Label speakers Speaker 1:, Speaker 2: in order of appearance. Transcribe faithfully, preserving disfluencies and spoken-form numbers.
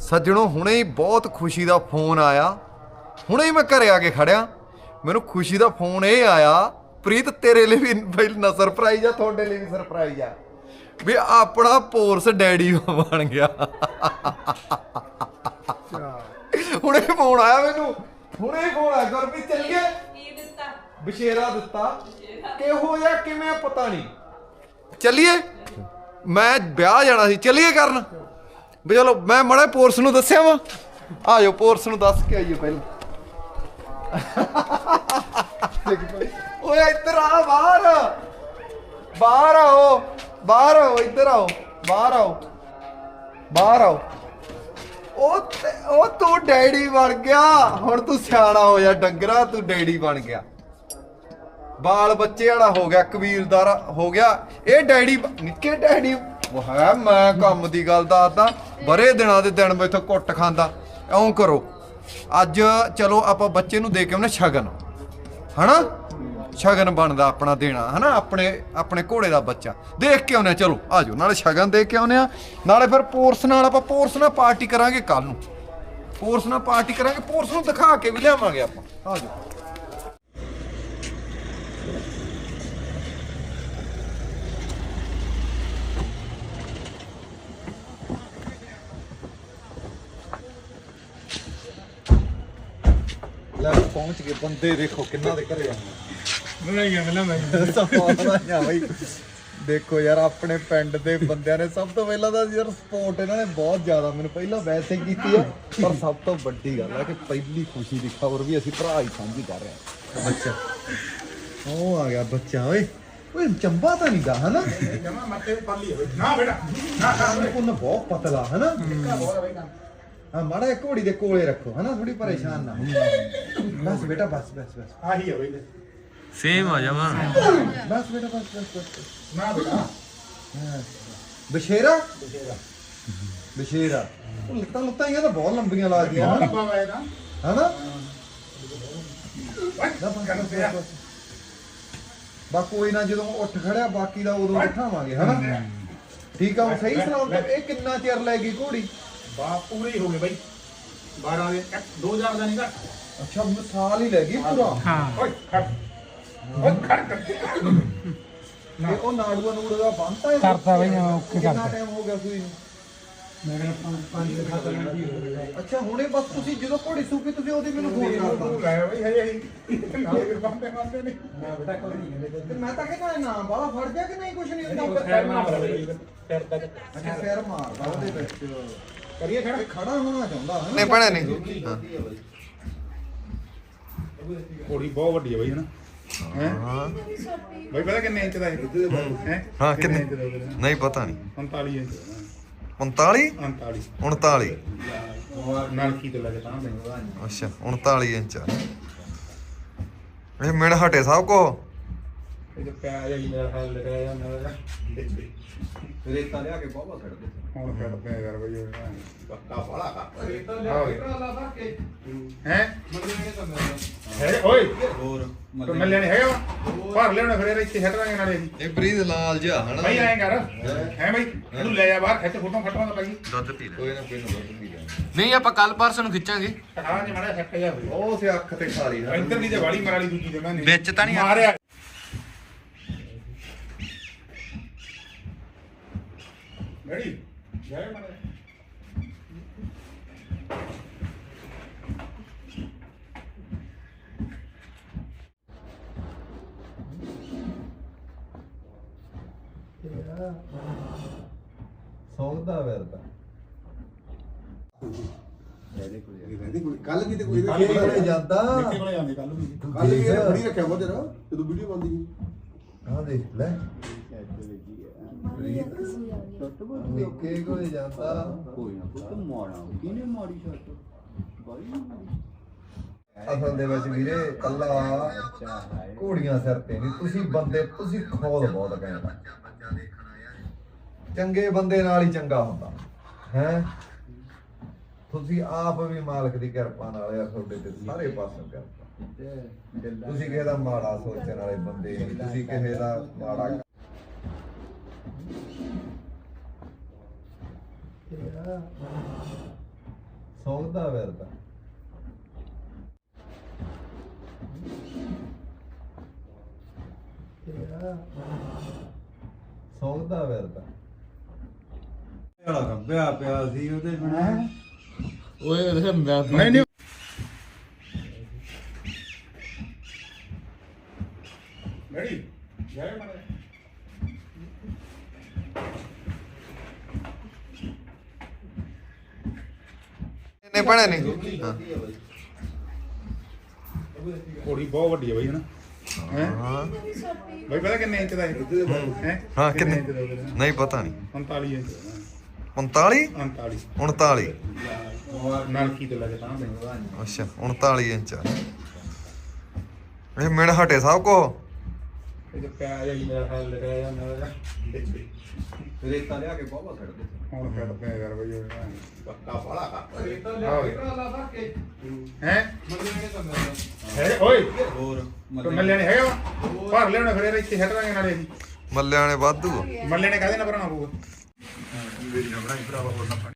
Speaker 1: ਸੱਜਣੋ ਹੁਣੇ ਹੀ ਬਹੁਤ ਖੁਸ਼ੀ ਦਾ ਫੋਨ ਆਇਆ। ਹੁਣੇ ਹੀ ਮੈਂ ਘਰੇ ਆ ਕੇ ਖੜਿਆ, ਮੈਨੂੰ ਖੁਸ਼ੀ ਦਾ ਫੋਨ ਇਹ ਆਇਆ, ਪ੍ਰੀਤ ਤੇਰੇ ਲਈ ਵੀ ਪਹਿਲਾਂ ਸਰਪ੍ਰਾਈਜ਼ ਆ, ਤੁਹਾਡੇ ਲਈ ਵੀ ਸਰਪ੍ਰਾਈਜ਼ ਆ ਵੀ ਆਪਣਾ ਪੋਰਸ ਡੈਡੀ ਬਣ ਗਿਆ। ਹੁਣੇ ਫੋਨ ਆਇਆ ਮੈਨੂੰ, ਹੁਣੇ ਫੋਨ ਆਇਆ ਗੁਰਪ੍ਰੀਤ ਚੱਲੀਏ। ਬਸ਼ੇਰਾ ਦਿੱਤਾ, ਕਿਹੋ ਜਿਹਾ ਕਿਵੇਂ ਪਤਾ ਨਹੀਂ, ਚੱਲੀਏ। ਮੈਂ ਵਿਆਹ ਜਾਣਾ ਸੀ, ਚੱਲੀਏ ਕਰਨ ਵੀ ਚਲੋ। ਮੈਂ ਮਾੜਾ ਪੋਰਸ ਨੂੰ ਦੱਸਿਆ ਵਾ, ਆ ਜਾਓ ਪੋਰਸ ਨੂੰ ਦੱਸ ਕੇ ਆਈਓ ਪਹਿਲਾਂ। ਓਏ ਇੱਧਰ ਆ, ਬਾਹਰ ਬਾਹਰ ਆਓ, ਬਾਹਰ ਆਓ, ਇੱਧਰ ਆਓ, ਬਾਹਰ ਆਓ, ਬਾਹਰ ਆਓ। ਉਹ ਉਹ ਤੂੰ ਡੈਡੀ ਬਣ ਗਿਆ, ਹੁਣ ਤੂੰ ਸਿਆਣਾ ਹੋ ਜਾ ਡੰਗਰਾ, ਤੂੰ ਡੈਡੀ ਬਣ ਗਿਆ, ਬਾਲ ਬੱਚੇ ਵਾਲਾ ਹੋ ਗਿਆ, ਕਬੀਲਦਾਰ ਹੋ ਗਿਆ। ਇਹ ਡੈਡੀ ਨਿੱਕੇ ਡੈਡੀ ਹੈ। ਮੈਂ ਕੰਮ ਦੀ ਗੱਲ ਦੱਸਦਾ, ਬਰੇ ਦਿਨਾਂ ਦੇ ਦਿਨ ਮੈਥੋਂ ਕੁੱਟ ਖਾਂਦਾ। ਇਉਂ ਕਰੋ, ਅੱਜ ਚਲੋ ਆਪਾਂ ਬੱਚੇ ਨੂੰ ਦੇ ਕੇ ਆਉਨੇ ਸ਼ਗਨ, ਹਨਾ ਸ਼ਗਨ ਬਣਦਾ ਆਪਣਾ ਦੇਣਾ, ਹਨਾ ਆਪਣੇ ਆਪਣੇ ਘੋੜੇ ਦਾ ਬੱਚਾ ਦੇਖ ਕੇ ਆਉਨੇ। ਚਲੋ ਆ ਜਾਓ, ਨਾਲੇ ਸ਼ਗਨ ਦੇ ਕੇ ਆਉਨੇ ਆ, ਨਾਲੇ ਫਿਰ ਪੋਰਸ ਨਾਲ ਆਪਾਂ ਪੋਰਸ ਨਾਲ ਪਾਰਟੀ ਕਰਾਂਗੇ ਕੱਲ ਨੂੰ, ਪੋਰਸ ਨਾਲ ਪਾਰਟੀ ਕਰਾਂਗੇ, ਪੋਰਸ ਨੂੰ ਦਿਖਾ ਕੇ ਵੀ ਲਿਆਵਾਂਗੇ ਆਪਾਂ। ਆ ਜਾਓ। ਲੈ ਪਹੁੰਚ ਗਏ, ਬੰਦੇ ਦੇਖੋ ਕਿੰਨਾ ਦੇ ਘਰੇ ਆਉਂਦੇ। ਦੇਖੋ ਯਾਰ, ਆਪਣੇ ਪਿੰਡ ਦੇ ਬੰਦਿਆਂ ਨੇ ਸਭ ਤੋਂ ਪਹਿਲਾਂ ਤਾਂ ਯਾਰ ਸਪੋਰਟ ਇਹਨਾਂ ਨੇ ਬਹੁਤ ਜ਼ਿਆਦਾ ਮੈਨੂੰ ਪਹਿਲਾਂ ਵੈਸੇ ਕੀਤੀ ਆ, ਪਰ ਸਭ ਤੋਂ ਵੱਡੀ ਗੱਲ ਹੈ ਕਿ ਪਹਿਲੀ ਖੁਸ਼ੀ ਦੀ ਖਬਰ ਵੀ ਅਸੀਂ ਭਰਾ ਹੀ ਸਾਂਝੀ ਕਰ ਰਹੇ ਹਾਂ। ਬੱਚਾ ਉਹ ਆ ਗਿਆ ਬੱਚਾ। ਓਏ ਓਏ ਚੰਬਾ ਤਾਂ ਨਹੀਂ ਦਾ, ਹਨਾ ਜਮਾ ਮੱਤੇ ਪੱਲੀ ਹੋਵੇ ਨਾ ਬੇਟਾ, ਨਾ ਕੋਨ ਬਹੁਤ ਪਤਲਾ, ਹਨਾ ਹਾਂ। ਮਾੜਾ ਜਿਹਾ ਘੋੜੀ ਦੇ ਕੋਲੇ ਰੱਖੋ, ਹਨਾ ਥੋੜੀ ਪਰੇਸ਼ਾਨ ਨਾ। ਬਸ ਬੇਟਾ, ਬਸ ਬਸ ਬਸ ਆਹੀ ਹੈ ਬਈ,
Speaker 2: ਸੇਮ ਆ ਜਾਵਾ।
Speaker 1: ਬਸ ਬੇਟਾ, ਬਸ ਬਸ ਬਸ ਨਾ ਬੇਟਾ। ਬਸ਼ੇਰਾ ਬਸ਼ੇਰਾ ਬਸ਼ੇਰਾ। ਉਹ ਲੱਤਾਂ ਲੁੱਤਾਂ ਹੀ ਤਾਂ ਬਹੁਤ ਲੰਬੀਆਂ ਲੱਗਦੀਆਂ ਹਨਾ, ਹਨਾ ਬਸ ਕੋਈ ਨਾ, ਜਦੋਂ ਉੱਠ ਖੜਿਆ ਬਾਕੀ ਦਾ ਉਦੋਂ ਬਿਠਾਵਾਂਗੇ, ਹਨਾ ਠੀਕ ਆ। ਸਹੀ ਸੁਣਾਓ, ਇਹ ਕਿੰਨਾ ਚਿਰ ਲੈ ਗਈ ਘੋੜੀ?
Speaker 3: ਬਾ ਪੂਰੇ ਹੋ ਗਏ ਬਾਈ, ਬਾਰਾਂ ਦੇ ਦੋ ਹਜ਼ਾਰ ਦਾ ਨਹੀਂ ਘੱਟ।
Speaker 1: ਅੱਛਾ ਸਾਲ ਹੀ ਲੈ ਗਈ ਪੂਰਾ।
Speaker 3: ਹਾਂ ਓਏ ਖੜ ਓਏ ਖੜ ਕਰ।
Speaker 1: ਇਹ ਉਹ ਨਾੜੂਆ ਨੂੜ ਦਾ ਬੰਨਤਾ ਹੈ
Speaker 3: ਕਰਤਾ ਬਈ, ਓਕੇ ਕਰਤਾ।
Speaker 1: ਕਿੰਨਾ ਟਾਈਮ ਹੋ ਗਿਆ ਸੂਈ ਨੂੰ?
Speaker 3: ਮੈਂ ਕਹਿੰਦਾ ਪੰਜ ਦੇ ਖਾਤਾ ਨਾਲ ਹੀ ਹੋ ਗਿਆ।
Speaker 1: ਅੱਛਾ ਹੁਣੇ ਬਸ ਤੁਸੀਂ ਜਦੋਂ ਘੋੜੀ ਸੂਪੀ ਤੁਸੀਂ ਉਹਦੀ ਮੈਨੂੰ ਫੋਨ ਕਰਤਾ।
Speaker 3: ਲੈ ਬਈ ਹਜੇ ਅਸੀਂ ਨਾਲੇ ਵੀ ਬੰਦੇ ਬੰਦੇ ਨਹੀਂ। ਮੈਂ ਬੇਟਾ ਕੋਈ ਨਹੀਂ ਕਹਿੰਦੇ
Speaker 1: ਤੇ ਮੈਂ ਤਾਂ ਕਹਿੰਦਾ ਨਾ ਬਾਲਾ ਫੜ ਗਿਆ ਕਿ ਨਹੀਂ, ਕੁਛ ਨਹੀਂ ਹੁੰਦਾ।
Speaker 3: ਫੇਰ ਮਾਰਦਾ ਬਈ, ਫੇਰ ਤੱਕ
Speaker 1: ਅੱਛਾ ਫੇਰ ਮਾਰਦਾ ਉਹਦੇ ਵਿੱਚ।
Speaker 3: ਕਰੀਏ ਖੜਾ,
Speaker 1: ਇਹ ਖੜਾ ਹੋਣਾ ਚਾਹੁੰਦਾ ਹੈ
Speaker 2: ਨਹੀਂ ਬਣੇ ਨਹੀਂ। ਹਾਂ
Speaker 3: ਘੋੜੀ ਬਹੁਤ ਵੱਡੀ ਹੈ ਬਈ, ਹਨਾ
Speaker 2: ਹਾਂ
Speaker 3: ਬਈ ਪਤਾ ਕਿੰਨੇ ਇੰਚ ਦਾ ਹੈ? ਹੈ
Speaker 2: ਹਾਂ ਕਿੰਨੇ ਨਹੀਂ ਪਤਾ ਨਹੀਂ।
Speaker 3: ਉਨਤਾਲੀ ਇੰਚ
Speaker 2: ਉਨਤਾਲੀ
Speaker 3: ਉਨਤਾਲੀ
Speaker 2: ਉਨਤਾਲੀ
Speaker 3: ਨਲਕੀ ਤੋਂ ਲੱਗੇ ਤਾਂ
Speaker 2: ਅੱਛਾ ਉਨਤਾਲੀ ਇੰਚ ਆ। ਇਹ ਮਿਣ ਹਟੇ ਸਭ ਕੋ।
Speaker 3: ਇਹ ਪਿਆ ਜਾਂ ਮੇਰਾ ਹਾਲ ਲਗਾਇਆ ਜਾਂਦਾ ਹੈ।
Speaker 1: ਰੇਤਾ ਲਿਆ ਕੇ ਬਾਬਾ ਛੱਡ ਦੇ।
Speaker 3: ਹੁਣ ਕੱਢ ਪਿਆ ਯਾਰ ਬਈ,
Speaker 1: ਪੱਕਾ ਬਾਲਾ ਰੇਤਾ
Speaker 3: ਲਿਆ ਕੇ
Speaker 1: ਲਾ ਲਾ ਕੇ
Speaker 3: ਹੈ
Speaker 1: ਮੱਲੇ ਨੇ ਤਾਂ ਮੇਰਾ
Speaker 3: ਹੈ ਓਏ
Speaker 1: ਹੋਰ
Speaker 3: ਤੂੰ ਮਿਲਿਆ ਨਹੀਂ ਹੈਗਾ ਵਾ? ਭਰ ਲਿਆਉਣਾ ਫਿਰ ਇੱਥੇ ਛੱਡ ਦਾਂਗੇ ਨਾਲੇ ਅਸੀਂ।
Speaker 2: ਇਹ ਬਰੀਦ ਲਾਲ ਜਿਹਾ ਹਨਾ।
Speaker 3: ਬਈ ਐਂ ਕਰ ਹੈ ਬਈ, ਇਹਨੂੰ ਲੈ ਜਾ ਬਾਹਰ, ਖਿੱਚ ਫੋਟੋ ਫਟਵਾ ਦਾ ਬਾਈ।
Speaker 2: ਦੁੱਧ ਪੀ ਲੈ।
Speaker 1: ਕੋਈ ਨਾ ਕੋਈ ਨਾ ਦੁੱਧ ਪੀ ਲੈ।
Speaker 2: ਨਹੀਂ ਆਪਾਂ ਕੱਲ ਪਰਸੋਂ ਨੂੰ ਖਿੱਚਾਂਗੇ।
Speaker 3: ਹਾਂ ਜੀ ਮਾੜਾ ਸੈੱਟ ਜਾ ਹੋਈ।
Speaker 1: ਉਹ ਸੇ ਅੱਖ ਤੇ ਖਾ ਲਈ ਨਾ।
Speaker 3: ਇੱਧਰ ਦੀ ਤੇ ਵਾਲੀ ਮਾਰੀ ਦੂਜੀ ਜਗ੍ਹਾ ਨੇ
Speaker 2: ਵਿੱਚ ਤਾਂ ਨਹੀਂ
Speaker 3: ਮਾਰਿਆ। ਰੈਡੀ ਜੈ ਮਾਰੇ।
Speaker 1: ਸੌਂਦਾ ਵਰਦਾ
Speaker 4: ਕੱਲ ਕਿਤੇ ਕੋਈ
Speaker 3: ਕੱਲ੍ਹ
Speaker 1: ਇਹ ਕੋਲੇ ਜਾਂਦਾ।
Speaker 3: ਨਿੱਕੇ ਕੋਲੇ ਜਾਂਦੇ ਕੱਲ ਵੀ।
Speaker 4: ਕੱਲ ਵੀ ਇਹ ਫੜੀ ਰੱਖਿਆ ਵਾ ਤੇਰਾ ਜਦੋਂ ਵੀਡੀਓ ਬਣਦੀ
Speaker 1: ਆਹ ਦੇਖ ਲੈ ਨਿੱਕੇ ਕੋਲੇ ਜਾਂਦਾ।
Speaker 4: ਕੋਈ ਨਾ ਪੁੱਤ ਮਾੜਾ ਕਿਹਨੇ ਮਾੜੀ ਛੱਟ ਬਾਈ
Speaker 1: ਅਸਲ ਦੇ ਵਿੱਚ ਵੀਰੇ ਕੱਲਾ ਘੋੜੀਆਂ ਸਿਰ ਤੇ ਨਹੀਂ, ਤੁਸੀਂ ਬੰਦੇ ਤੁਸੀਂ ਖੋਦ ਬਹੁਤ ਕਹਿੰਦਾ। ਚੰਗੇ ਬੰਦੇ ਨਾਲ ਹੀ ਚੰਗਾ ਹੁੰਦਾ ਹੈ। ਤੁਸੀਂ ਆਪ ਵੀ ਮਾਲਕ ਦੀ ਕਿਰਪਾ ਨਾਲ ਯਾਰ ਤੁਹਾਡੇ ਤੇ ਸਾਰੇ ਪਾਸੋਂ ਕਿਰਪਾ। ਤੁਸੀਂ ਕਿਸੇ ਦਾ ਮਾੜਾ ਸੋਚਣ ਵਾਲੇ ਬੰਦੇ ਨਹੀਂ, ਤੁਸੀਂ ਕਿਸੇ ਦਾ ਮਾੜਾ ਸੌਂਦਾ ਫਿਰਦਾ ਸੌਂਦਾ ਫਿਰਦਾ
Speaker 4: ਵਾਲਾ ਗੱਬਿਆ ਪਿਆ ਸੀ ਉਹਦੇ ਬਣਾ
Speaker 3: ਓਏ ਨਹੀਂ ਨਹੀਂ ਮੈਡੀ ਜਾਏ ਮਾਰੇ
Speaker 2: ਇਹਨੇ ਭੈਣੇ ਨਹੀਂ ਹਾਂ
Speaker 3: ਕੋੜੀ ਬਹੁਤ ਵੱਡੀ ਹੈ ਬਈ ਹਨਾ ਹੈ
Speaker 2: ਹਾਂ
Speaker 3: ਬਈ ਪਤਾ ਕਿੰਨੇ ਇੰਚ ਦਾ ਹੈ ਹੈ
Speaker 2: ਹਾਂ ਕਿੰਨੇ ਨਹੀਂ ਪਤਾ ਨਹੀਂ
Speaker 3: ਉਨਤਾਲੀ ਇੰਚ
Speaker 2: ਉਨਤਾਲੀ
Speaker 3: ਉਨਤਾਲੀ
Speaker 2: ਉਨਤਾਲੀ
Speaker 3: ਨਲਕੀ ਤੋਂ ਲੈ ਕੇ ਤਾਂ ਦੇ
Speaker 2: ਅੱਛਾ ਉਨਤਾਲੀ ਇੰਚ ਆ ਇਹ ਮਿਣ ਹਟੇ ਸਭ ਕੋ
Speaker 3: ਇਹ ਤੇ ਪਿਆ ਜਾਂ ਮੇਰਾ ਹਾਲ ਲਗਾਇਆ ਜਾਂਦਾ
Speaker 4: ਰੇਤਾ ਲਿਆ ਕੇ ਬਾਬਾ ਛੱਡ ਦੇ
Speaker 3: ਹੁਣ ਕੱਢਦੇ ਆ ਯਾਰ ਬਈ
Speaker 4: ਪੱਕਾ ਬਾਲਾ ਕਰ
Speaker 3: ਰੇਤਾ ਲਿਆ ਹੈ ਹੈ ਓਏ
Speaker 4: ਹੋਰ
Speaker 3: ਮੱਲੇ ਨੇ ਹੈਗਾ ਵਾ ਭਰ ਲਿਆਉਣਾ ਫਿਰ ਇੱਥੇ ਛੱਡ ਦਾਂਗੇ ਨਾਲੇ ਅਸੀਂ
Speaker 2: ਮੱਲਿਆਂ ਨੇ ਵਾਧੂ ਆ।
Speaker 3: ਮੱਲੇ ਨੇ ਕਾਹਦੇ ਨਾਲ ਭਰਾਉਣਾ ਪਊਗਾ